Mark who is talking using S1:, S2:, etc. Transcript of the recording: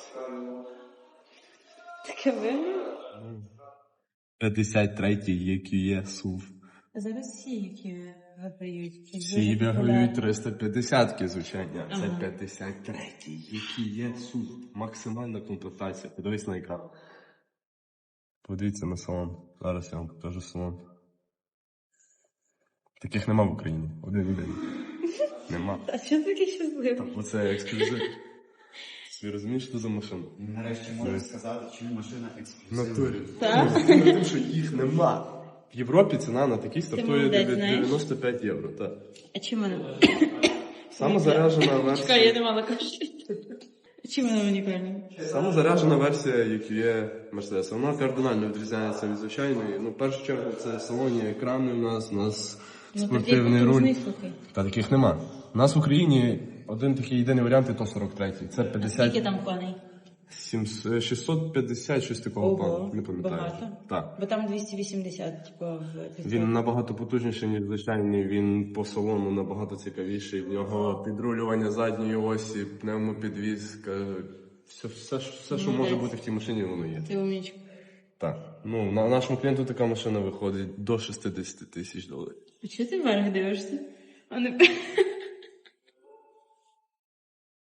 S1: Таке виграв?
S2: 53-й EQE SUV.
S1: Зараз всі, які виграють.
S2: Всі виграють 350-ки, звичайно. Це 53-й EQE SUV. Максимальна комплектація. Подивись на екран. Подивіться на салон. Зараз я вам покажу салон. Таких нема в Україні. Один. Нема.
S1: А чого такий щасливий?
S2: Так, оце ексклюзив. Ви розумієш, що за машина?
S3: Нарешті можна сказати, чому машина
S2: В
S3: ексклюзивна.
S2: натурі.
S1: Так?
S2: Тому що їх нема. В Європі ціна на такий стартує
S1: молодець,
S2: від
S1: знаєш?
S2: 95 євро. Так.
S1: А чим вона?
S2: Самозаряджена версія.
S1: Чекай, я не мала каші. Чим вона унікальна?
S2: Самозаряджена версія, як є Mercedes. Вона кардинально відрізняється від звичайної. Ну, в першу чергу, це в салоні екрани у нас спортивний руль. Та таких нема. У нас в Україні один такий єдиний варіант, і то 43-й. Це 50...
S1: Скільки там коней?
S2: 650, щось такого плану, не пам'ятаю.
S1: Багато?
S2: Так.
S1: Бо там 280, типу,
S2: Він набагато потужніший, ніж звичайний, він по салону набагато цікавіший. В нього підрулювання задньої осі, пневмопідвізка, все, що може бути в тій машині, воно є.
S1: Ти умнічка.
S2: Так. Ну, на нашому клієнту така машина виходить до $60 тисяч.
S1: А чого ти вверх дивишся? А не...